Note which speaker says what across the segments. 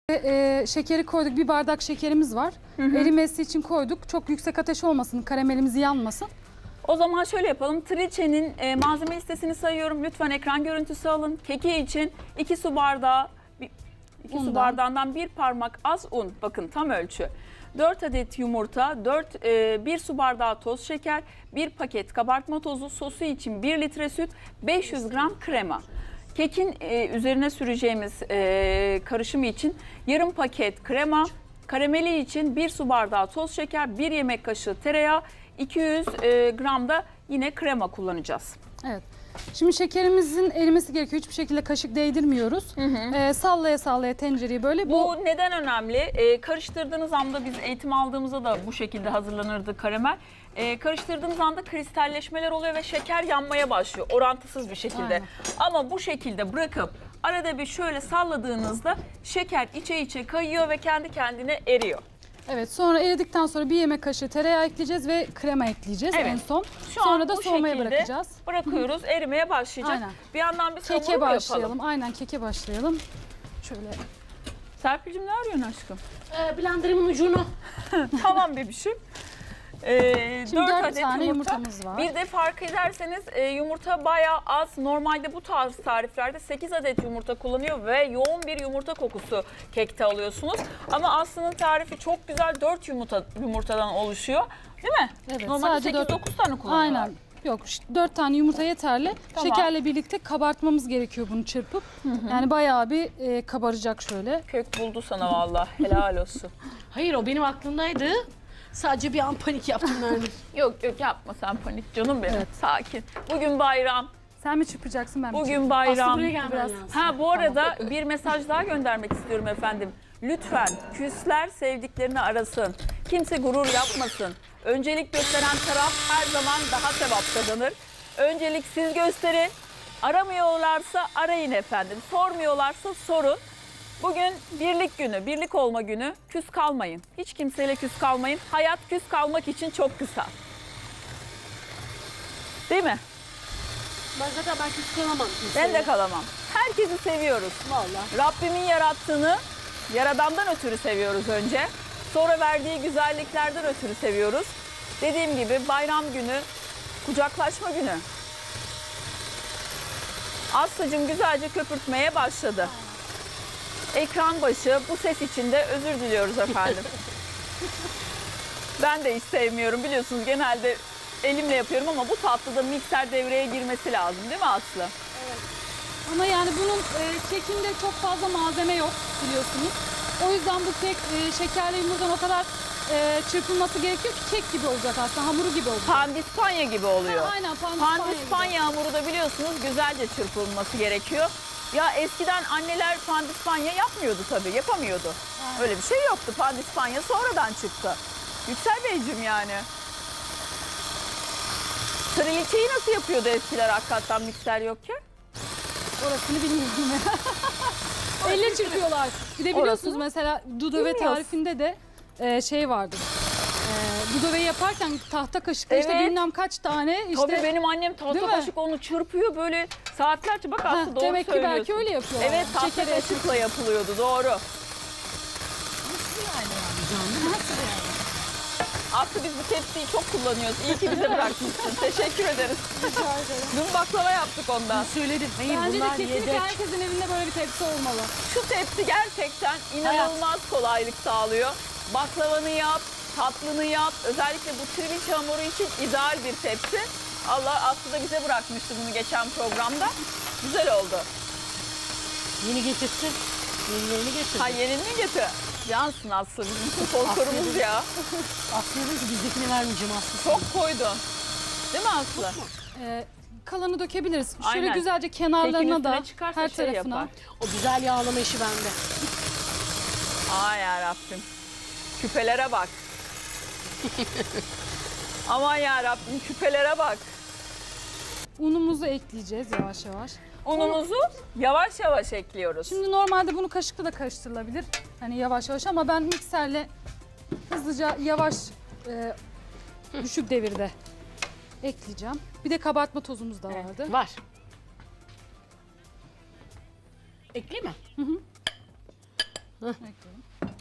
Speaker 1: Şekeri koyduk. Bir bardak şekerimiz var. Erimesi için koyduk. Çok yüksek ateş olmasın. Karamelimiz yanmasın.
Speaker 2: O zaman şöyle yapalım. Triçe'nin malzeme listesini sayıyorum. Lütfen ekran görüntüsü alın. Keki için 2 su bardağı, 2 su bardağından 1 parmak az un. Bakın tam ölçü. 4 adet yumurta, 1 su bardağı toz şeker, 1 paket kabartma tozu, sosu için 1 litre süt, 500 gram krema. Kekin üzerine süreceğimiz karışımı için yarım paket krema, karameli için 1 su bardağı toz şeker, 1 yemek kaşığı tereyağı, 200 gram da yine krema kullanacağız.
Speaker 1: Evet. Şimdi şekerimizin erimesi gerekiyor. Hiçbir şekilde kaşık değdirmiyoruz. Sallaya sallaya tencereyi böyle.
Speaker 2: Bu neden önemli? Karıştırdığınız anda biz eğitim aldığımızda da bu şekilde hazırlanırdı karamel. Karıştırdığınız anda kristalleşmeler oluyor ve şeker yanmaya başlıyor orantısız bir şekilde.
Speaker 1: Aynen.
Speaker 2: Ama bu şekilde bırakıp arada bir şöyle salladığınızda şeker içe kayıyor ve kendi kendine eriyor.
Speaker 1: Evet, sonra eridikten sonra 1 yemek kaşığı tereyağı ekleyeceğiz ve krema ekleyeceğiz en son. Sonra da soğumaya bırakacağız.
Speaker 2: Bırakıyoruz, erimeye başlayacak.
Speaker 1: Aynen.
Speaker 2: Bir yandan bir hamur
Speaker 1: Keke
Speaker 2: mu
Speaker 1: başlayalım.
Speaker 2: yapalım?
Speaker 1: Aynen, keke başlayalım. Şöyle.
Speaker 2: Serpil'cim ne arıyorsun aşkım?
Speaker 3: Blenderımın ucunu.
Speaker 2: Tamam bebişim.
Speaker 1: Şimdi 4
Speaker 2: adet
Speaker 1: tane
Speaker 2: yumurta.
Speaker 1: yumurtamız var.
Speaker 2: Bir de fark ederseniz yumurta bayağı az. Normalde bu tarz tariflerde 8 adet yumurta kullanıyor ve yoğun bir yumurta kokusu kekte alıyorsunuz. Ama Aslı'nın tarifi çok güzel, 4 yumurtadan oluşuyor. Değil mi?
Speaker 1: Evet,
Speaker 2: Normalde
Speaker 1: sadece
Speaker 2: 8-9 tane kullanıyorlar.
Speaker 1: Aynen. Yok, 4 tane yumurta yeterli.
Speaker 2: Tamam.
Speaker 1: Şekerle birlikte kabartmamız gerekiyor bunu çırpıp. Yani bayağı bir kabaracak şöyle.
Speaker 2: Kök buldu sana vallahi. Helal olsun.
Speaker 3: Hayır, o benim aklımdaydı. Sadece bir an panik yaptım Nermin.
Speaker 2: Yok yapma sen panik canım benim.
Speaker 1: Evet.
Speaker 2: Sakin. Bugün bayram.
Speaker 1: Sen mi çırpacaksın, ben mi
Speaker 2: Bugün
Speaker 1: çırpayım?
Speaker 2: bayram.
Speaker 3: Aslı buraya gelmen
Speaker 1: Biraz-
Speaker 3: lazım.
Speaker 2: Ha bu arada bir mesaj daha göndermek istiyorum efendim. Lütfen küsler sevdiklerini arasın. Kimse gurur yapmasın. Öncelik gösteren taraf her zaman daha sevap kazanır. Öncelik siz gösterin. Aramıyorlarsa arayın efendim. Sormuyorlarsa sorun. Bugün birlik günü, birlik olma günü. Küs kalmayın. Hiç kimseyle küs kalmayın. Hayat küs kalmak için çok kısa. Değil mi?
Speaker 3: Ben küs kalamam.
Speaker 2: Ben de kalamam. Herkesi seviyoruz.
Speaker 3: Vallahi.
Speaker 2: Rabbimin yarattığını Yaradan'dan ötürü seviyoruz önce. Sonra verdiği güzelliklerden ötürü seviyoruz. Dediğim gibi bayram günü, kucaklaşma günü. Aslı'cığım güzelce köpürtmeye başladı. Ekran başı bu ses için de özür diliyoruz efendim. Ben de hiç sevmiyorum biliyorsunuz, genelde elimle yapıyorum ama bu tatlıda mikser devreye girmesi lazım değil mi Aslı?
Speaker 1: Ama yani bunun kekinde çok fazla malzeme yok biliyorsunuz. O yüzden bu kek şekerli yumurtadan o kadar çırpılması gerekiyor ki kek gibi olacak aslında, hamuru gibi olacak.
Speaker 2: Pandispanya gibi oluyor.
Speaker 1: Ha, aynen, pandispanya
Speaker 2: Pandispanya hamuru da biliyorsunuz güzelce çırpılması gerekiyor. Ya eskiden anneler pandispanya yapmıyordu tabii, yapamıyordu.
Speaker 1: Aynen.
Speaker 2: Öyle bir şey yoktu. Pandispanya sonradan çıktı. Yüksel Beyciğim yani. Trileçeyi nasıl yapıyordu eskiler hakikaten mikser yokken?
Speaker 1: Orasını bilmiyorum ya. Elle çırpıyorlar. Bir de biliyorsunuz
Speaker 2: Orasını
Speaker 1: mesela Dudove
Speaker 2: bilmiyoruz.
Speaker 1: tarifinde de şey vardır. Dudove'yi yaparken tahta kaşıkla işte
Speaker 2: Evet.
Speaker 1: bilmem kaç tane işte.
Speaker 2: Tabii benim annem tahta
Speaker 1: Değil mi?
Speaker 2: kaşık onu çırpıyor böyle saatlerce, bak aslında doğru
Speaker 1: demek ki
Speaker 2: söylüyorsun.
Speaker 1: belki öyle yapıyorlar.
Speaker 2: Evet, tahta
Speaker 1: Şekeri
Speaker 2: kaşıkla yapılıyordu, doğru. Aslı biz bu tepsiyi çok kullanıyoruz. İyi ki bize bırakmışsın. Teşekkür ederiz. Dün baklava yaptık ondan.
Speaker 3: Söyledim. Hayır,
Speaker 1: Bence de
Speaker 3: bunlar
Speaker 1: kesinlikle
Speaker 3: yedek.
Speaker 1: herkesin evinde böyle bir tepsi olmalı.
Speaker 2: Şu tepsi gerçekten inanılmaz kolaylık sağlıyor. Baklavanı yap, tatlını yap. Özellikle bu trileçe hamuru için ideal bir tepsi. Allah Aslı da bize bırakmıştı bunu geçen programda. Güzel oldu.
Speaker 3: Yeni getirsin. Yenilerini getirsin.
Speaker 2: Ha, yenilini getir. Yansın Aslı, bizim sponsorumuz ya.
Speaker 3: Aslı dedi ki bizdekini vermeyeceğim Aslı.
Speaker 2: Çok koydun. Değil mi Aslı?
Speaker 1: Kalanı dökebiliriz. Şöyle
Speaker 2: Aynen.
Speaker 1: güzelce
Speaker 2: Kekin
Speaker 1: kenarlarına da
Speaker 2: üstüne çıkarsa
Speaker 1: her
Speaker 2: şey
Speaker 1: tarafına.
Speaker 2: yapar.
Speaker 3: O güzel yağlama işi bende.
Speaker 2: Ay yarabbim. Küpelere bak. Aman yarabbim, küpelere bak.
Speaker 1: Unumuzu ekleyeceğiz yavaş yavaş.
Speaker 2: Unumuzu yavaş yavaş ekliyoruz.
Speaker 1: Şimdi normalde bunu kaşıkla da karıştırılabilir. Hani yavaş yavaş, ama ben mikserle hızlıca yavaş düşük devirde ekleyeceğim. Bir de kabartma tozumuz da vardı.
Speaker 3: Var. Ekleyeyim mi?
Speaker 1: Ekledim.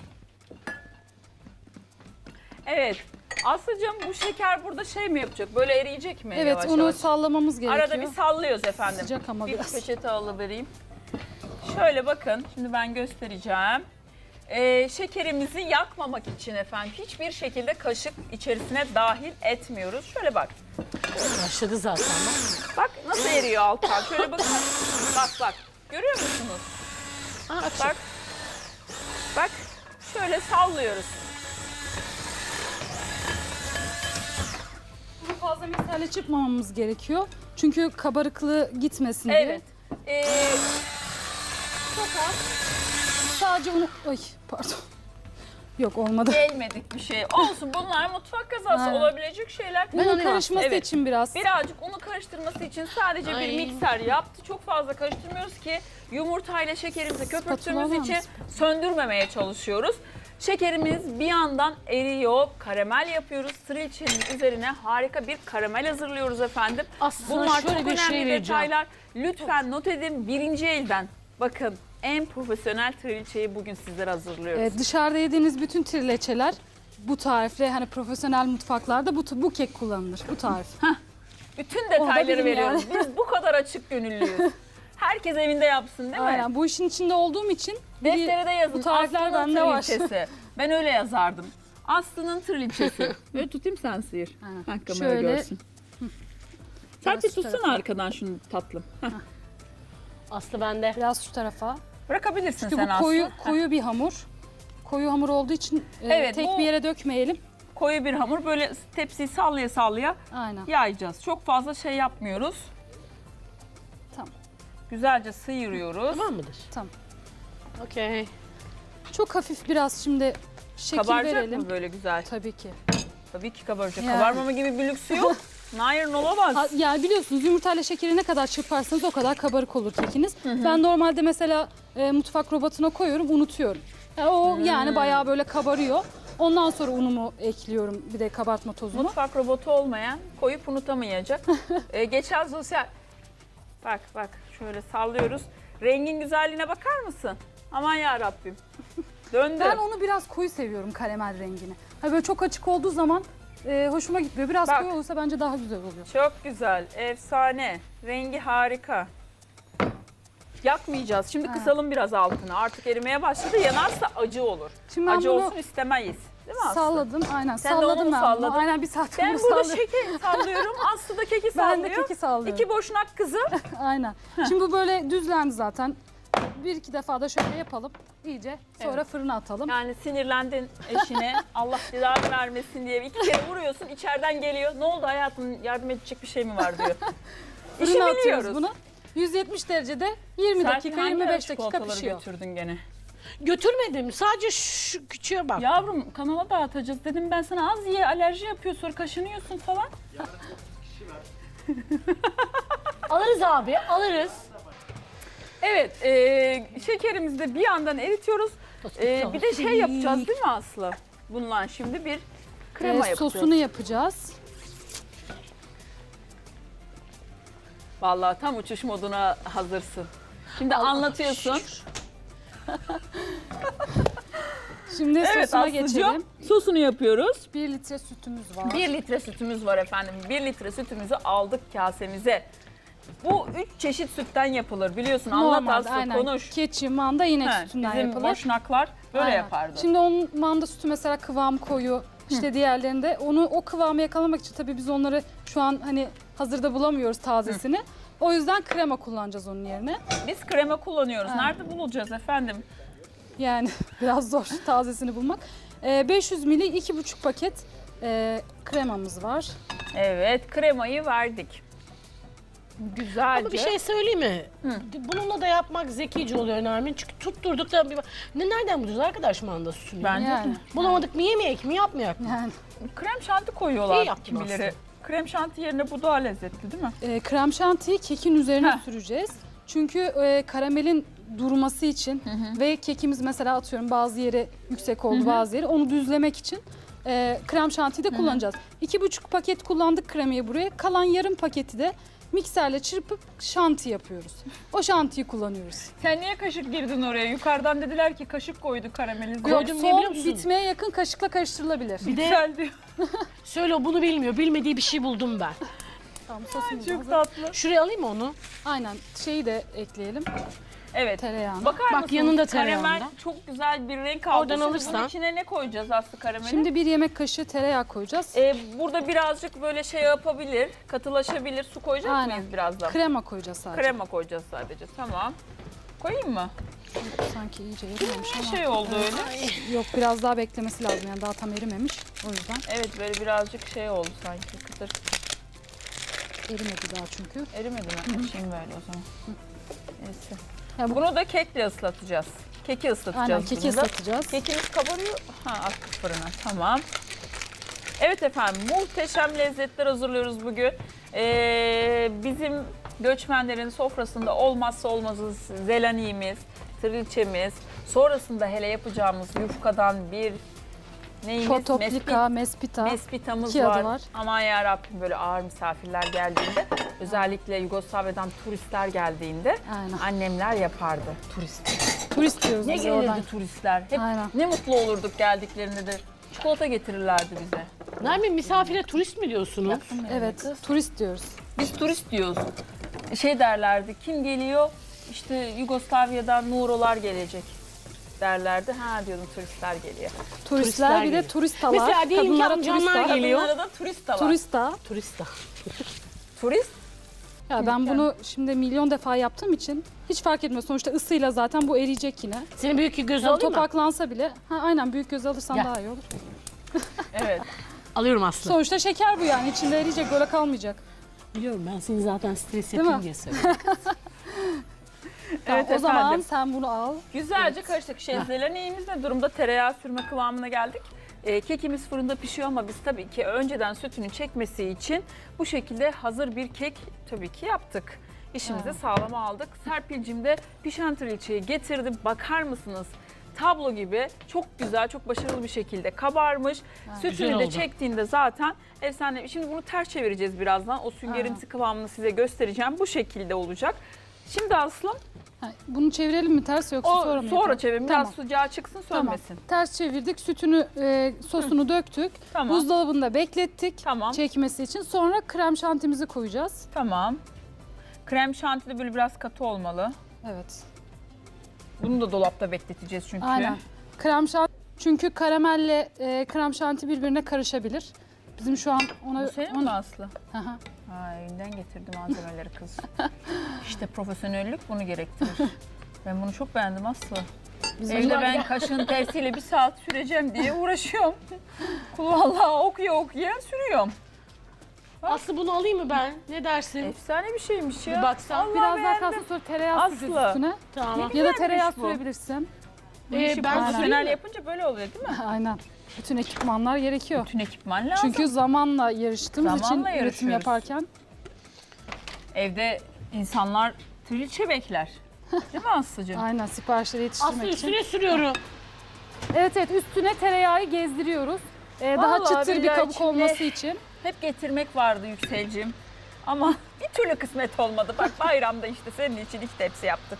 Speaker 2: Evet. Aslıcığım bu şeker burada şey mi yapacak? Böyle eriyecek mi?
Speaker 1: Evet,
Speaker 2: yavaş
Speaker 1: onu
Speaker 2: yavaş?
Speaker 1: sallamamız gerekiyor.
Speaker 2: Arada bir sallıyoruz efendim.
Speaker 1: Sıcak ama
Speaker 2: bir
Speaker 1: biraz.
Speaker 2: peçete alıvereyim. Şöyle bakın, şimdi ben göstereceğim. Şekerimizi yakmamak için efendim hiçbir şekilde kaşık içerisine dahil etmiyoruz. Şöyle bak.
Speaker 3: Başladı zaten.
Speaker 2: Bak nasıl eriyor alttan. Şöyle bakın. Bak bak. Görüyor musunuz?
Speaker 3: Açık.
Speaker 2: Bak. Bak. Şöyle sallıyoruz.
Speaker 1: Bunu fazla miktarla çırpmamamız gerekiyor. Çünkü kabarıklığı gitmesin diye.
Speaker 2: Evet. Çok az.
Speaker 1: Sadece onu... Ay pardon. Yok olmadı.
Speaker 2: Gelmedik bir şey. Olsun, bunlar mutfak kazası
Speaker 1: Aynen.
Speaker 2: olabilecek şeyler.
Speaker 1: Bunun karışması
Speaker 2: Evet.
Speaker 1: için biraz.
Speaker 2: Birazcık unu karıştırması için sadece bir
Speaker 3: Ay.
Speaker 2: mikser yaptı. Çok fazla karıştırmıyoruz ki yumurtayla şekerimizi köpürttüğümüz
Speaker 1: Spatula
Speaker 2: için
Speaker 1: var
Speaker 2: söndürmemeye çalışıyoruz. Şekerimiz bir yandan eriyor, karamel yapıyoruz. Trilçenin üzerine harika bir karamel hazırlıyoruz efendim.
Speaker 3: Aslında
Speaker 2: Bunlar
Speaker 3: şöyle
Speaker 2: çok
Speaker 3: bir
Speaker 2: önemli
Speaker 3: şey vereceğim.
Speaker 2: detaylar. Lütfen not edin, birinci elden. Bakın, en profesyonel trilçeyi bugün sizlere hazırlıyoruz.
Speaker 1: Dışarıda yediğiniz bütün trileçeler bu tarifle hani profesyonel mutfaklarda bu kek kullanılır. Bu tarif.
Speaker 2: Bütün
Speaker 1: da
Speaker 2: detayları
Speaker 1: bilin
Speaker 2: veriyoruz.
Speaker 1: yani.
Speaker 2: Biz bu kadar açık gönüllüyüz. Herkes evinde yapsın değil mi?
Speaker 1: Aynen. Bu işin içinde olduğum için
Speaker 2: Deftere de yazın.
Speaker 1: bu tarifler
Speaker 2: Aslı'nın
Speaker 1: bende var.
Speaker 2: trilçesi. Ben öyle yazardım. Aslı'nın trilçesi. Böyle tutayım, sen sıyır.
Speaker 1: Aynen.
Speaker 2: Ha, kamera
Speaker 1: Şöyle.
Speaker 2: görsün. Sen bir
Speaker 1: Biraz şu
Speaker 2: tutsana
Speaker 1: tarafa.
Speaker 2: arkadan şunu tatlım. Heh.
Speaker 3: Aslı bende.
Speaker 1: Biraz şu tarafa.
Speaker 2: Bırakabilirsin
Speaker 1: Çünkü
Speaker 2: sen
Speaker 1: bu
Speaker 2: Aslı.
Speaker 1: koyu bir hamur. Koyu hamur olduğu için
Speaker 2: Evet,
Speaker 1: tek
Speaker 2: bu-
Speaker 1: bir yere dökmeyelim.
Speaker 2: Koyu bir hamur, böyle tepsiyi sallaya sallaya
Speaker 1: Aynen.
Speaker 2: yayacağız. Çok fazla şey yapmıyoruz.
Speaker 1: Tamam.
Speaker 2: Güzelce sıyırıyoruz.
Speaker 3: Tamam mıdır?
Speaker 1: Tamam.
Speaker 3: Okey.
Speaker 1: Çok hafif biraz şimdi şekil
Speaker 2: Kabaracak
Speaker 1: verelim.
Speaker 2: mı böyle güzel?
Speaker 1: Tabii ki.
Speaker 2: Tabii ki kabaracak.
Speaker 1: Yani.
Speaker 2: Kabarmama gibi bir lüksü yok. Nair olamaz.
Speaker 1: Yani biliyorsunuz yumurtayla şekeri ne kadar çırparsanız o kadar kabarık olur kekiniz. Ben normalde mesela mutfak robotuna koyuyorum, unutuyorum. Yani bayağı böyle kabarıyor. Ondan sonra unumu ekliyorum, bir de kabartma tozumu.
Speaker 2: Mutfak robotu olmayan koyup unutamayacak. Geçen sosyal... Bak bak şöyle sallıyoruz. Rengin güzelliğine bakar mısın? Aman ya Rabbim. Döndü.
Speaker 1: Ben onu biraz koyu seviyorum, karamel rengini. Hani böyle çok açık olduğu zaman hoşuma gitmiyor. Biraz
Speaker 2: Bak.
Speaker 1: koyu olursa bence daha güzel oluyor.
Speaker 2: Çok güzel, efsane. Rengi harika. Yakmayacağız. Şimdi kısalım biraz altını. Artık erimeye başladı. Yanarsa acı olur.
Speaker 1: Şimdi ben
Speaker 2: Acı
Speaker 1: bunu
Speaker 2: olsun istemeyiz. Değil mi Aslı?
Speaker 1: salladım, aynen.
Speaker 2: Sen de onu
Speaker 1: Salladım
Speaker 2: mu
Speaker 1: ben
Speaker 2: salladın?
Speaker 1: bunu. Aynen bir saat
Speaker 2: Ben
Speaker 1: bunu
Speaker 2: burada
Speaker 1: salladım.
Speaker 2: şekeri sallıyorum. Aslı da keki
Speaker 1: Ben
Speaker 2: sallıyor.
Speaker 1: de keki sallıyorum.
Speaker 2: İki boşnak kızı.
Speaker 1: Aynen. Şimdi bu böyle düzlendi zaten. Bir iki defa da şöyle yapalım iyice. Sonra fırına atalım.
Speaker 2: Yani sinirlendin eşine. Allah cezanı vermesin diye iki kere vuruyorsun. İçeriden geliyor. Ne oldu hayatım, yardım edecek bir şey mi var diyor. İşi
Speaker 1: Fırına atıyoruz
Speaker 2: biliyoruz.
Speaker 1: bunu. 170 derecede 20
Speaker 2: Serpil,
Speaker 1: dakika
Speaker 2: hangi
Speaker 1: 25
Speaker 2: ara
Speaker 1: dakika
Speaker 2: çikolataları
Speaker 1: pişiyor.
Speaker 2: götürdün gene?
Speaker 3: Götürmedim. Sadece şu küçüğe bak.
Speaker 2: Yavrum kanala dağıtacağız dedim ben sana, az ye, alerji yapıyor, sonra kaşınıyorsun falan.
Speaker 3: Alırız abi, alırız.
Speaker 2: Evet, şekerimizi de bir yandan eritiyoruz. Bir de şey yapacağız değil mi Aslı? Bundan şimdi bir krema yapacağız.
Speaker 1: Sosunu yapacağız.
Speaker 2: Vallahi tam uçuş moduna hazırsın. Şimdi anlatıyorsun.
Speaker 1: Şimdi
Speaker 2: Evet
Speaker 1: sosuna
Speaker 2: Aslı'cığım,
Speaker 1: geçelim.
Speaker 2: sosunu yapıyoruz.
Speaker 1: 1 litre sütümüz var.
Speaker 2: 1 litre sütümüz var efendim. 1 litre sütümüzü aldık kasemize. Bu 3 çeşit sütten yapılır biliyorsun. Anlat
Speaker 1: Normalde,
Speaker 2: Aslı,
Speaker 1: aynen.
Speaker 2: konuş.
Speaker 1: Keçi, manda, inek
Speaker 2: He,
Speaker 1: sütünden
Speaker 2: bizim
Speaker 1: yapılır.
Speaker 2: boşnaklar böyle
Speaker 1: Aynen.
Speaker 2: yapardı.
Speaker 1: Şimdi onun manda sütü mesela kıvam koyu. İşte diğerlerinde o kıvamı yakalamak için tabii biz onları şu an hani hazırda bulamıyoruz tazesini. O yüzden krema kullanacağız onun yerine.
Speaker 2: Biz krema kullanıyoruz.
Speaker 1: Aynen.
Speaker 2: Nerede bulacağız efendim?
Speaker 1: Yani biraz zor tazesini bulmak. 500 ml 2,5 paket kremamız var.
Speaker 2: Evet, kremayı verdik. Güzelce.
Speaker 3: Ama bir şey söyleyeyim mi? Bununla da yapmak zekice oluyor Nermin. Çünkü tutturduk da nereden bulacağız arkadaş manda sütünü?
Speaker 2: Bence
Speaker 1: Yani.
Speaker 3: Bulamadık mı yemeyek mi yapmayak mı?
Speaker 1: Yani
Speaker 2: krem şanti koyuyorlar
Speaker 3: İyi yaptın
Speaker 2: kimileri. Krem şanti yerine bu daha lezzetli değil mi?
Speaker 1: krem şantiyi kekin üzerine
Speaker 2: Heh.
Speaker 1: süreceğiz. Çünkü karamelin durması için ve kekimiz mesela atıyorum bazı yeri yüksek oldu bazı yeri onu düzlemek için krem şantiyi de kullanacağız. 2,5 paket kullandık kremayı buraya. Kalan yarım paketi de mikserle çırpıp şanti yapıyoruz. O şantiyi kullanıyoruz.
Speaker 2: Sen niye kaşık girdin oraya? Yukarıdan dediler ki kaşık koydu karamelize.
Speaker 3: Koydum, ne
Speaker 1: Son
Speaker 3: biliyor musun?
Speaker 1: bitmeye yakın kaşıkla karıştırılabilir.
Speaker 3: Bir de
Speaker 2: Güzel diyor.
Speaker 3: söyle, bunu bilmiyor. Bilmediği bir şey buldum ben.
Speaker 1: Tamam, sosumuz
Speaker 2: Çok
Speaker 1: hazır.
Speaker 2: tatlı.
Speaker 3: Şuraya alayım mı onu?
Speaker 1: Aynen, şeyi de ekleyelim.
Speaker 2: Evet.
Speaker 1: Tereyağını.
Speaker 2: Bakar
Speaker 3: Bak,
Speaker 2: mısınız?
Speaker 3: yanında
Speaker 2: Karamel
Speaker 3: tereyağında.
Speaker 2: çok güzel bir renk aldı.
Speaker 3: Oradan
Speaker 2: Şimdi
Speaker 3: alırsan.
Speaker 2: bunun içine ne koyacağız Aslı karameli?
Speaker 1: Şimdi bir yemek kaşığı tereyağı koyacağız.
Speaker 2: Burada birazcık böyle şey yapabilir, katılaşabilir. Su koyacak
Speaker 1: Aynen.
Speaker 2: mıyız birazdan?
Speaker 1: Krema koyacağız sadece.
Speaker 2: Krema koyacağız sadece. Tamam. Koyayım mı?
Speaker 1: Sanki iyice erimemiş
Speaker 2: Bir
Speaker 1: ama.
Speaker 2: şey oldu öyle.
Speaker 1: Yok, biraz daha beklemesi lazım, yani daha tam erimemiş. O yüzden
Speaker 2: Evet böyle birazcık şey oldu sanki. Kıtır.
Speaker 1: erimedi daha çünkü.
Speaker 2: Erimedi mi? Açayım böyle o zaman. Neyse.
Speaker 1: Ya bu-
Speaker 2: Bunu da kekle ıslatacağız. Keki ıslatacağız.
Speaker 1: Aynen, keki
Speaker 2: bunu da.
Speaker 1: ıslatacağız.
Speaker 2: Kekimiz kabarıyor. Attık fırına. Tamam. Evet efendim, muhteşem lezzetler hazırlıyoruz bugün. Bizim göçmenlerin sofrasında olmazsa olmazı zelaniğimiz, trilçemiz, sonrasında hele yapacağımız yufkadan bir neyimiz?
Speaker 1: Fotoplika, mespita.
Speaker 2: Mespitamız
Speaker 1: İki adı
Speaker 2: var.
Speaker 1: var.
Speaker 2: Aman ya Rabbim, böyle ağır misafirler geldiğinde, özellikle Yugoslavya'dan turistler geldiğinde
Speaker 1: Aynen.
Speaker 2: annemler yapardı.
Speaker 1: Turist diyoruz
Speaker 2: Ne
Speaker 1: biz
Speaker 2: gelirdi
Speaker 1: oradan.
Speaker 2: turistler? Hep
Speaker 1: Aynen.
Speaker 2: ne mutlu olurduk geldiklerinde de. Çikolata getirirlerdi bize.
Speaker 3: Nermin, misafire turist mi diyorsunuz?
Speaker 1: Evet, turist diyoruz.
Speaker 2: Biz turist diyoruz. Şey derlerdi, kim geliyor? İşte Yugoslavya'dan Nurolar gelecek derlerdi. Ha diyordum, turistler geliyor.
Speaker 1: Turistler, bir de
Speaker 3: geliyor.
Speaker 1: turistalar.
Speaker 3: Mesela diyelim ki
Speaker 1: Kadınlara
Speaker 3: amcanlar
Speaker 1: turista.
Speaker 3: geliyor.
Speaker 2: Kadınlara da turist de var.
Speaker 1: Turista.
Speaker 3: Turist de.
Speaker 2: Turist?
Speaker 1: Ya ben bunu şimdi milyon defa yaptığım için hiç fark etmiyor. Sonuçta ısıyla zaten bu eriyecek yine.
Speaker 3: Senin büyük bir göz
Speaker 1: Yani
Speaker 3: alayım mı?
Speaker 1: topaklansa bile. Aynen, büyük göz alırsan
Speaker 3: Gel.
Speaker 1: daha iyi olur.
Speaker 2: Evet.
Speaker 3: Alıyorum Aslı.
Speaker 1: Sonuçta şeker bu, yani içinde eriyecek, böyle kalmayacak.
Speaker 3: Biliyorum, ben seni zaten stres
Speaker 1: Değil
Speaker 3: yapayım
Speaker 1: mi?
Speaker 3: diye söylüyorum.
Speaker 1: Tamam,
Speaker 2: Evet
Speaker 1: o zaman
Speaker 2: efendim.
Speaker 1: sen bunu al.
Speaker 2: Güzelce karıştık. Şezleleneğimiz ne durumda? Tereyağı sürme kıvamına geldik. Kekimiz fırında pişiyor ama biz tabii ki önceden sütünü çekmesi için bu şekilde hazır bir kek tabii ki yaptık. İşimizi sağlama aldık. Serpil'cim de pişen trilçeyi getirdi. Bakar mısınız? Tablo gibi çok güzel, çok başarılı bir şekilde kabarmış.
Speaker 3: Güzel
Speaker 2: Sütünü de
Speaker 3: oldu.
Speaker 2: çektiğinde zaten efsane. Şimdi bunu ters çevireceğiz birazdan. O süngerimsi kıvamını size göstereceğim. Bu şekilde olacak. Şimdi Aslım,
Speaker 1: Ha, bunu çevirelim mi ters, yoksa
Speaker 2: o
Speaker 1: sonra mı
Speaker 2: sonra
Speaker 1: yapalım?
Speaker 2: çevirin. Biraz
Speaker 1: Tamam.
Speaker 2: sıcağı çıksın,
Speaker 1: Tamam.
Speaker 2: sönmesin.
Speaker 1: Ters çevirdik, sütünü, sosunu döktük.
Speaker 2: Tamam.
Speaker 1: Buzdolabında beklettik
Speaker 2: Tamam.
Speaker 1: çekmesi için. Sonra krem şantimizi koyacağız.
Speaker 2: Tamam. Krem şanti de böyle biraz katı olmalı.
Speaker 1: Evet.
Speaker 2: Bunu da dolapta bekleteceğiz çünkü.
Speaker 1: Aynen. Krem şanti, çünkü karamelle krem şanti birbirine karışabilir. Bizim şu an ona...
Speaker 2: Bu senin mi Aslı?
Speaker 1: Hı hı.
Speaker 2: Ha, elinden getirdi malzemeleri kız. İşte profesyonellik bunu gerektirir. Ben bunu çok beğendim Aslı.
Speaker 1: Bizim
Speaker 2: Evde ben kaşığın tersiyle 1 saat süreceğim diye uğraşıyorum. Vallahi okuya sürüyorum.
Speaker 3: Aslı, bunu alayım mı ben? Ne dersin?
Speaker 2: Efsane bir şeymiş ya.
Speaker 3: Bir baksan.
Speaker 2: Vallahi
Speaker 1: biraz daha
Speaker 2: beğendim.
Speaker 1: kalsın, sonra tereyağı
Speaker 2: Aslı.
Speaker 1: süreceğiz üstüne.
Speaker 3: Tamam.
Speaker 1: Ya da tereyağı
Speaker 2: bu.
Speaker 1: sürebilirsin.
Speaker 2: Bu işi
Speaker 3: ben
Speaker 2: profesyonel
Speaker 3: süreyim mi?
Speaker 2: yapınca böyle oluyor değil mi?
Speaker 1: Aynen. Bütün ekipmanlar gerekiyor.
Speaker 2: Bütün ekipman lazım.
Speaker 1: Çünkü zamanla yarıştığımız
Speaker 2: Zamanla
Speaker 1: için üretim
Speaker 2: yarışıyoruz.
Speaker 1: yaparken.
Speaker 2: Evde insanlar trilçe bekler. Değil mi Aslı'cığım?
Speaker 1: Aynen, siparişleri yetiştirmek
Speaker 3: Aslı,
Speaker 1: için.
Speaker 3: üstüne sürüyorum.
Speaker 1: Evet, üstüne tereyağı gezdiriyoruz. Daha
Speaker 2: Vallahi
Speaker 1: çıtır bir
Speaker 2: billahi
Speaker 1: kabuk
Speaker 2: içinde-
Speaker 1: olması için.
Speaker 2: Hep getirmek vardı Yüksel'cim. Ama bir türlü kısmet olmadı. Bak bayramda işte senin için 2 tepsi yaptık.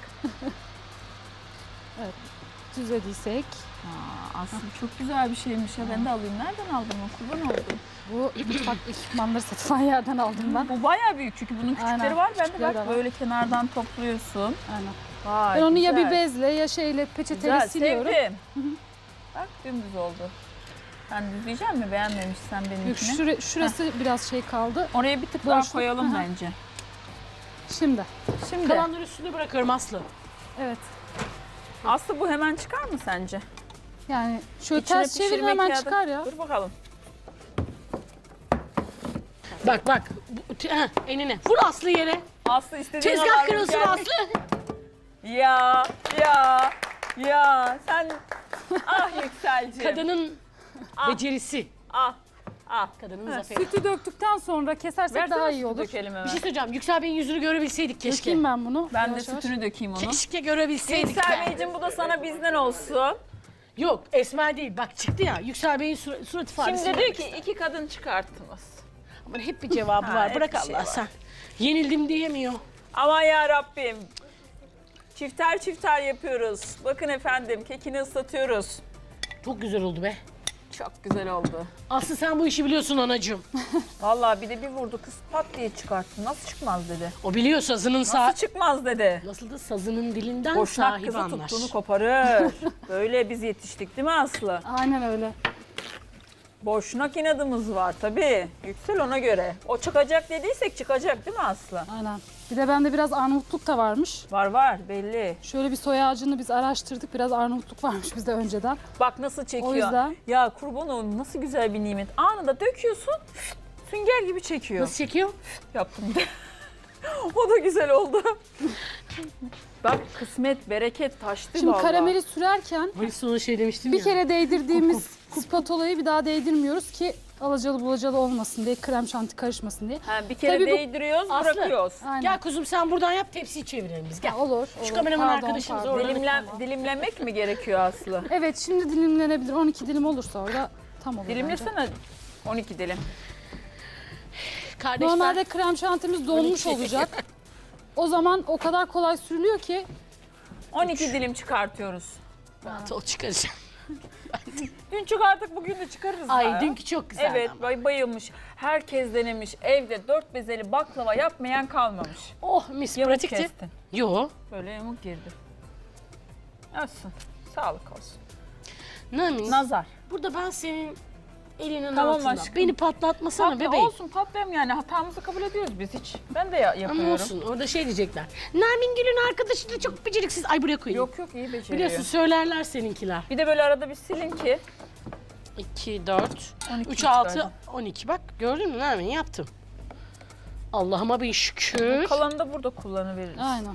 Speaker 1: Düzlediysek.
Speaker 2: Aslında çok güzel bir şeymiş ya. Ben de alayım. Nereden aldın o? Kurban oldum.
Speaker 1: Bu mutfak ekipmanları satılan yerden aldım ben.
Speaker 2: Bu bayağı büyük çünkü bunun küçükleri
Speaker 1: Aynen,
Speaker 2: var. Ben de
Speaker 1: küçükleri
Speaker 2: bak
Speaker 1: de var.
Speaker 2: böyle kenardan topluyorsun.
Speaker 1: Aynen.
Speaker 2: Vay,
Speaker 1: Ben onu ya
Speaker 2: güzel.
Speaker 1: bir bezle ya şeyle, peçeteyle
Speaker 2: Güzel,
Speaker 1: siliyorum.
Speaker 2: sevdim. Bak dümdüz oldu. Sen düzleyecek misin? Beğenmemişsen
Speaker 1: Yok,
Speaker 2: benimkini.
Speaker 1: şurası biraz şey kaldı.
Speaker 2: Oraya bir tık daha
Speaker 1: Boşluk.
Speaker 2: koyalım
Speaker 1: Hı hı.
Speaker 2: bence.
Speaker 1: Şimdi.
Speaker 2: Şimdi
Speaker 3: Kalanları üstüne bırakıyorum Aslı.
Speaker 1: Evet.
Speaker 2: Aslı bu hemen çıkar mı sence?
Speaker 1: Yani şöyle
Speaker 2: İçine
Speaker 1: ters çevirin,
Speaker 2: pişirmek
Speaker 1: hemen
Speaker 2: ya da-
Speaker 1: çıkar ya.
Speaker 2: Dur bakalım.
Speaker 3: Bak. Enine. Vur Aslı yere.
Speaker 2: Aslı istediğin
Speaker 3: Tezgah
Speaker 2: kadar
Speaker 3: kırılsın
Speaker 2: gel.
Speaker 3: Aslı.
Speaker 2: Ya sen ah Yükselciğim.
Speaker 3: Kadının
Speaker 2: Ah.
Speaker 3: becerisi.
Speaker 2: Ah.
Speaker 3: Kadının
Speaker 1: Ha,
Speaker 3: zaferi.
Speaker 1: sütü döktükten sonra kesersek
Speaker 2: Versene
Speaker 1: daha
Speaker 2: sütü
Speaker 1: iyi olur.
Speaker 2: dökelim hemen.
Speaker 3: Bir şey söyleyeceğim. Yüksel Bey'in yüzünü görebilseydik keşke.
Speaker 1: Dökeyim ben bunu.
Speaker 2: Ben de
Speaker 1: yavaş yavaş.
Speaker 2: sütünü dökeyim onu.
Speaker 3: Keşke görebilseydik.
Speaker 2: Yüksel Beyciğim bu da sana bizden olsun.
Speaker 3: Yok, Esmer değil. Bak çıktı ya. Yüksel Bey'in surat ifadesi.
Speaker 2: Şimdi diyor ki 2 kadın çıkarttınız.
Speaker 3: Ama hep bir cevabı
Speaker 2: Ha,
Speaker 3: var.
Speaker 2: hep
Speaker 3: Bırak
Speaker 2: bir şey
Speaker 3: Allah
Speaker 2: var.
Speaker 3: sen. Yenildim diyemiyor.
Speaker 2: Aman ya Rabbim. Çifter çifter yapıyoruz. Bakın efendim kekini ıslatıyoruz.
Speaker 3: Çok güzel oldu be.
Speaker 2: Çok güzel oldu.
Speaker 3: Aslı sen bu işi biliyorsun anacığım.
Speaker 2: Vallahi bir de bir vurdu kız pat diye çıkarttı. Nasıl çıkmaz dedi.
Speaker 3: O biliyor sazının
Speaker 2: Nasıl çıkmaz dedi.
Speaker 3: Nasıl da sazının dilinden
Speaker 2: Boşnak
Speaker 3: sahibi
Speaker 2: kızı
Speaker 3: anlar.
Speaker 2: tuttuğunu koparır. Böyle biz yetiştik değil mi Aslı?
Speaker 1: Aynen öyle.
Speaker 2: Boşnak inadımız var tabii. Yüksel ona göre. O çıkacak dediysek çıkacak değil mi Aslı?
Speaker 1: Aynen. Bir de bende biraz Arnavutluk da varmış.
Speaker 2: Var belli.
Speaker 1: Şöyle bir soy ağacını biz araştırdık. Biraz Arnavutluk varmış bizde önceden.
Speaker 2: Bak nasıl çekiyor.
Speaker 1: O yüzden-
Speaker 2: Ya kurban olayım nasıl güzel bir nimet. Anında döküyorsun sünger gibi çekiyor.
Speaker 3: Nasıl çekiyor?
Speaker 2: Yaptım de. O da güzel oldu. Bak kısmet, bereket taştı
Speaker 1: Şimdi
Speaker 2: vallahi.
Speaker 1: karameli sürerken
Speaker 3: Hani sonra şey demiştim
Speaker 1: bir
Speaker 3: ya.
Speaker 1: kere değdirdiğimiz spatulayı bir daha değdirmiyoruz ki alacalı bulacalı olmasın diye, krem şanti karışmasın diye.
Speaker 2: Ha, bir kere
Speaker 1: Tabii bu-
Speaker 2: değdiriyoruz,
Speaker 3: Aslı.
Speaker 2: bırakıyoruz.
Speaker 1: Aynen.
Speaker 3: Gel kuzum sen buradan yap tepsiyi çevirelim biz gel.
Speaker 1: Ha, olur.
Speaker 3: Şu kameraman arkadaşımız
Speaker 1: pardon.
Speaker 3: orada.
Speaker 2: Dilimlemek mi gerekiyor Aslı?
Speaker 1: Evet, şimdi dilimlenebilir. 12 dilim olursa orada tam olur bence.
Speaker 2: Dilimlesene 12 dilim.
Speaker 3: Kardeşler.
Speaker 1: Normalde krem şantimiz donmuş
Speaker 3: 12.
Speaker 1: olacak. O zaman o kadar kolay sürülüyor ki
Speaker 2: 12 dilim çıkartıyoruz.
Speaker 3: Rahat ol çıkaracağım.
Speaker 2: Dün çıkardık bugün de çıkarırız.
Speaker 3: Ay
Speaker 2: ya.
Speaker 3: dünkü çok güzeldi
Speaker 2: Evet
Speaker 3: ama.
Speaker 2: bayılmış. Herkes denemiş. Evde 4 bezeli baklava yapmayan kalmamış.
Speaker 3: Oh mis
Speaker 2: Yamuk
Speaker 3: pratikti.
Speaker 2: kestin.
Speaker 3: Yo.
Speaker 2: Böyle yamuk girdi. Olsun. Sağlık olsun.
Speaker 3: Namin.
Speaker 2: Nazar.
Speaker 3: Burada ben senin elinin
Speaker 2: Tamam
Speaker 3: altında.
Speaker 2: aşkım.
Speaker 3: Beni patlatmasana
Speaker 2: Patla,
Speaker 3: bebeğim.
Speaker 2: olsun patlayalım yani hatamızı kabul ediyoruz biz hiç. Ben de yapıyorum.
Speaker 3: Ama olsun orada şey diyecekler. Nermin Gül'ün arkadaşı da çok beceriksiz. Ay buraya koyayım.
Speaker 2: Yok iyi beceriyor.
Speaker 3: Biliyorsun söylerler seninkiler.
Speaker 2: Bir de böyle arada bir silin ki.
Speaker 3: 2, 4,
Speaker 2: 12
Speaker 3: 3, 6,
Speaker 2: çıkardım.
Speaker 3: 12. Bak gördün mü Nermin yaptım. Allah'ıma bir şükür.
Speaker 2: Kalanı da burada kullanıveririz.
Speaker 1: aynen.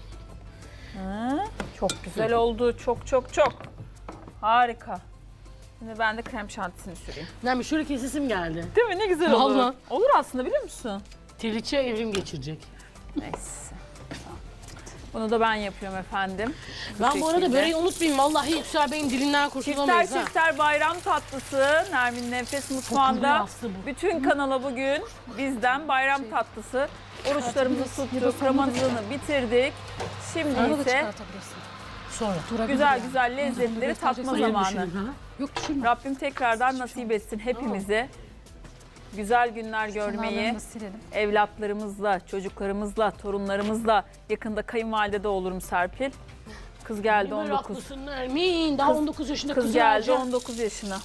Speaker 2: Hı, çok güzel oldu. Çok. Harika. Şimdi ben de krem şantisini süreyim.
Speaker 3: Nermin şöyle kesesim geldi.
Speaker 2: Değil mi? Ne güzel olur.
Speaker 3: Vallahi.
Speaker 2: Olur aslında biliyor musun?
Speaker 3: Triliçe evrim geçirecek.
Speaker 2: Neyse. Bunu da ben yapıyorum efendim.
Speaker 3: Ben bu arada
Speaker 2: şekilde.
Speaker 3: böreği unutmayayım. Vallahi Yüksel Bey'in dilinden kurtulamayız ha.
Speaker 2: Çifter bayram tatlısı Nermin Nefes Mutfağı'nda.
Speaker 3: Aslı bu.
Speaker 2: Bütün kanala bugün bizden bayram tatlısı. Oruçlarımızı tuttuk, Ramazan'ı bitirdik. Şimdi
Speaker 1: Onu da
Speaker 2: ise
Speaker 1: çıkartabilirsin.
Speaker 3: Sonra.
Speaker 1: Durabilir
Speaker 2: güzel
Speaker 1: yani.
Speaker 2: güzel lezzetleri tatma
Speaker 1: Hayır,
Speaker 2: zamanı.
Speaker 1: Yok düşürme.
Speaker 2: Rabbim tekrardan nasip etsin hepimize. Güzel günler görmeyi,
Speaker 1: Kenarlarını silelim.
Speaker 2: evlatlarımızla, çocuklarımızla, torunlarımızla, yakında kayınvalide de olurum Serpil. Kız geldi
Speaker 3: Böyle
Speaker 2: 19.
Speaker 3: haklısın Nermin. Daha 19 yaşında
Speaker 2: Kız
Speaker 3: kız
Speaker 2: geldi
Speaker 3: geldi.
Speaker 2: 19 yaşına.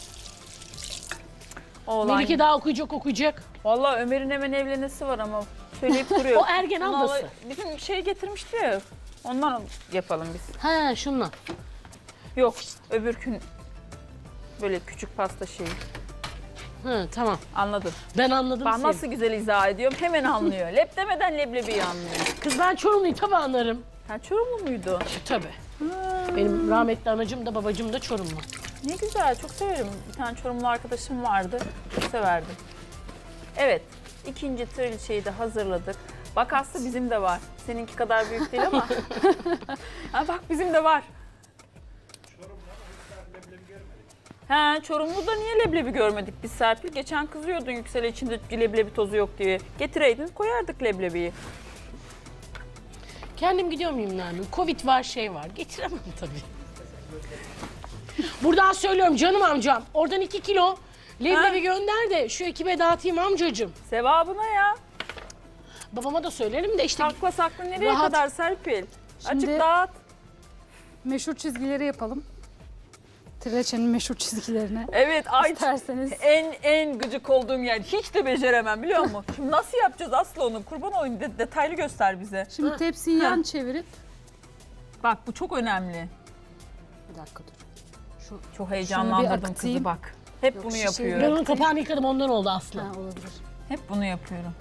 Speaker 2: Oğlan.
Speaker 3: Melike daha okuyacak.
Speaker 2: Vallahi Ömer'in hemen evlenesi var ama söyleyip duruyor.
Speaker 3: O ergen
Speaker 2: Bunu
Speaker 3: ablası.
Speaker 2: Bizim şey getirmişti ya. Ondan yapalım biz.
Speaker 3: He şunla.
Speaker 2: Yok öbür gün böyle küçük pasta şeyi.
Speaker 3: Hı tamam.
Speaker 2: Anladın.
Speaker 3: Ben anladım
Speaker 2: Ben
Speaker 3: seni.
Speaker 2: nasıl güzel izah ediyorum hemen anlıyor. Lep demeden leblebiyi anlıyor.
Speaker 3: Kız ben Çorumluyum tabii anlarım.
Speaker 2: Sen Çorumlu muydu?
Speaker 3: Tabii. Benim rahmetli anacım da babacım da Çorumlu.
Speaker 2: Ne güzel çok severim. Bir tane Çorumlu arkadaşım vardı. Çok severdim. Evet ikinci trilçeyi de hazırladık. Bak Aslı bizim de var. Seninki kadar büyük değil ama. Ha, bak bizim de var. He, Çorumlu'da niye leblebi görmedik biz Serpil? Geçen kızıyordun Yüksel'e içinde leblebi tozu yok diye. Getireydin koyardık leblebiyi.
Speaker 3: Kendim gidiyor muyum Nermin? Covid var şey var. Getiremem tabii. Buradan söylüyorum canım amcam. Oradan 2 kilo leblebi gönder de şu ekibe dağıtayım amcacığım.
Speaker 2: Sevabına ya.
Speaker 3: Babama da söylerim de işte
Speaker 2: Sakla sakla nereye
Speaker 3: Rahat.
Speaker 2: kadar Serpil?
Speaker 1: Şimdi-
Speaker 2: Açık dağıt.
Speaker 1: Meşhur çizgileri yapalım. Trileçenin meşhur çizgilerini.
Speaker 2: Evet ay
Speaker 1: İsterseniz.
Speaker 2: en gıcık olduğum yer. Hiç de beceremem biliyor musun? Şimdi nasıl yapacağız Aslı onu? Kurban olayım detaylı göster bize.
Speaker 1: Şimdi tepsiyi yan çevirip.
Speaker 2: Bak bu çok önemli.
Speaker 1: Bir dakika dur.
Speaker 2: Çok
Speaker 1: bir
Speaker 2: heyecanlandırdım kızı
Speaker 1: akıtayım.
Speaker 2: bak. Hep
Speaker 1: Yok,
Speaker 2: bunu
Speaker 1: şişeyi
Speaker 3: ben
Speaker 2: yapıyorum.
Speaker 3: onun kapağını yıkadım ondan oldu Aslı.
Speaker 1: Ha, olabilir.
Speaker 2: Hep bunu yapıyorum.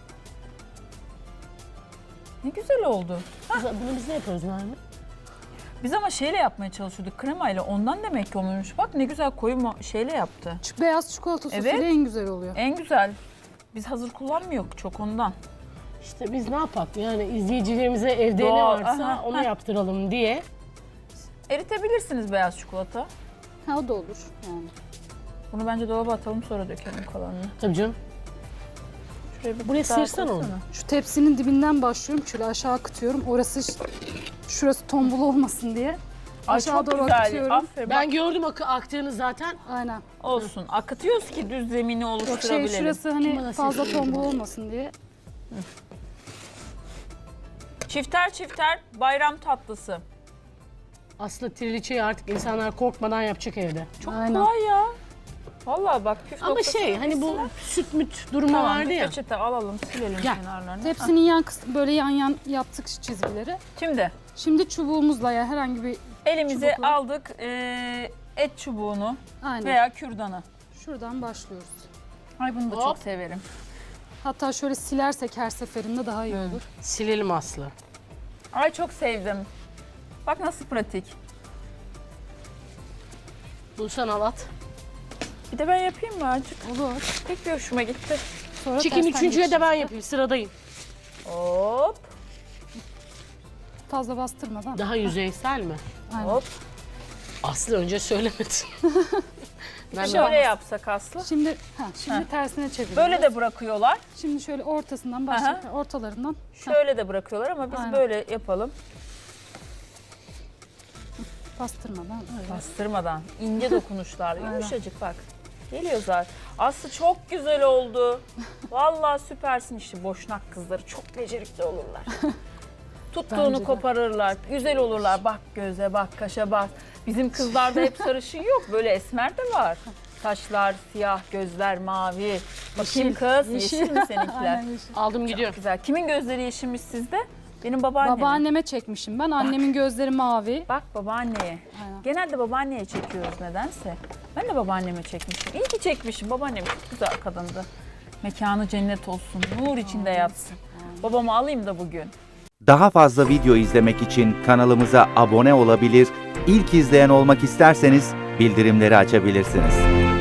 Speaker 2: Ne güzel oldu.
Speaker 3: Bunu biz ne yapıyoruz Nermin?
Speaker 2: Biz ama şeyle yapmaya çalışıyorduk kremayla. Ondan demek ki olmuş. Bak ne güzel koyu şeyle yaptı.
Speaker 1: Beyaz çikolata sosuyla
Speaker 2: Evet.
Speaker 1: en güzel oluyor.
Speaker 2: En güzel. Biz hazır kullanmıyoruz çok ondan.
Speaker 3: İşte biz ne yapak yani izleyicilerimize evde ne
Speaker 2: Doğal,
Speaker 3: varsa
Speaker 2: aha,
Speaker 3: onu
Speaker 2: ha.
Speaker 3: yaptıralım diye.
Speaker 2: Eritebilirsiniz beyaz çikolata.
Speaker 1: Ha, o da olur yani.
Speaker 2: Bunu bence dolaba atalım sonra dökelim kalanını.
Speaker 3: Tabii canım.
Speaker 2: Şuraya bir
Speaker 3: Buraya
Speaker 2: daha
Speaker 3: sıyırsan
Speaker 2: koysana.
Speaker 3: onu.
Speaker 1: Şu tepsinin dibinden başlıyorum. Şöyle aşağı akıtıyorum. Şurası tombul olmasın diye.
Speaker 2: Ay
Speaker 1: Aşağı
Speaker 2: çok
Speaker 1: doğru
Speaker 2: güzel.
Speaker 1: akıtıyorum.
Speaker 2: Aferin.
Speaker 3: Ben gördüm aktığını zaten.
Speaker 1: Aynen.
Speaker 2: Olsun. Akıtıyoruz ki düz zemini
Speaker 1: Yok
Speaker 2: oluşturabilelim.
Speaker 1: şurası
Speaker 3: Kim
Speaker 1: hani
Speaker 3: bana
Speaker 1: fazla
Speaker 3: sesini
Speaker 1: tombul
Speaker 3: duydu?
Speaker 1: olmasın diye.
Speaker 2: Çifter çifter bayram tatlısı.
Speaker 3: Aslında triliçeyi artık insanlar korkmadan yapacak evde.
Speaker 2: Çok
Speaker 1: Aynen.
Speaker 2: kolay ya. Vallahi bak püf
Speaker 3: Ama
Speaker 2: noktasını
Speaker 3: hani bu
Speaker 2: bilsinler.
Speaker 3: süt müt durumu
Speaker 2: Tamam,
Speaker 3: vardı
Speaker 2: bir
Speaker 3: ya.
Speaker 2: peçete alalım, silelim
Speaker 3: Gel.
Speaker 2: kenarlarını.
Speaker 1: Tepsinin yan kısmı böyle yan yan yaptık çizgileri.
Speaker 2: Şimdi
Speaker 1: Şimdi çubuğumuzla ya herhangi bir
Speaker 2: elimize
Speaker 1: Çubukla.
Speaker 2: aldık et çubuğunu
Speaker 1: aynen
Speaker 2: veya kürdanı.
Speaker 1: şuradan başlıyoruz.
Speaker 2: Ay bunu da
Speaker 3: Hop.
Speaker 2: çok severim.
Speaker 1: Hatta şöyle silersek her seferinde daha iyi olur.
Speaker 3: Silelim Aslı.
Speaker 2: Ay çok sevdim. Bak nasıl pratik.
Speaker 3: Bunu sen al at.
Speaker 2: Bir de ben yapayım mı azıcık?
Speaker 1: Olur.
Speaker 2: Pek bir hoşuma gitti.
Speaker 1: Sonra
Speaker 3: Çekim
Speaker 1: tersten
Speaker 3: üçüncüye de ben
Speaker 1: geçeceğiz.
Speaker 3: yapayım. Sıradayım.
Speaker 2: Hop
Speaker 1: Fazla bastırmadan.
Speaker 3: Daha yüzeysel mi?
Speaker 1: Aynen.
Speaker 2: hop.
Speaker 3: Aslı önce söylemedin. ben
Speaker 2: Şöyle yapsak Aslı.
Speaker 1: Şimdi şimdi
Speaker 2: Ha.
Speaker 1: tersine çeviriyoruz.
Speaker 2: Böyle de bırakıyorlar.
Speaker 1: Şimdi şöyle ortasından başlayıp ortalarından.
Speaker 2: Şöyle de bırakıyorlar ama biz
Speaker 1: Aynen.
Speaker 2: böyle yapalım.
Speaker 1: Bastırmadan öyle.
Speaker 2: Bastırmadan. ince dokunuşlar. Yumuşacık bak. Geliyor zaten. Aslı çok güzel oldu. Vallahi süpersin işte. Boşnak kızları çok becerikli olurlar. Tuttuğunu
Speaker 1: Bence de.
Speaker 2: koparırlar. Güzel olurlar. Bak göze bak, kaşa bak. Bizim kızlarda hep sarışın yok. Böyle esmer de var. Saçlar siyah, gözler mavi. Bakayım kız. Yeşil mi seninkiler?
Speaker 1: Aynen yeşil.
Speaker 3: aldım gidiyorum.
Speaker 2: Güzel. Kimin gözleri yeşilmiş sizde? Benim babaannemin.
Speaker 1: Babaanneme çekmişim ben. Annemin gözleri mavi.
Speaker 2: Bak babaanneye.
Speaker 1: Aynen.
Speaker 2: Genelde babaanneye çekiyoruz nedense. Ben de babaanneme çekmişim. İyi ki çekmişim. Babaannem çok güzel kadındı. Mekanı cennet olsun. Nur içinde yatsın. Babamı alayım da bugün.
Speaker 4: Daha fazla video izlemek için kanalımıza abone olabilir, ilk izleyen olmak isterseniz bildirimleri açabilirsiniz.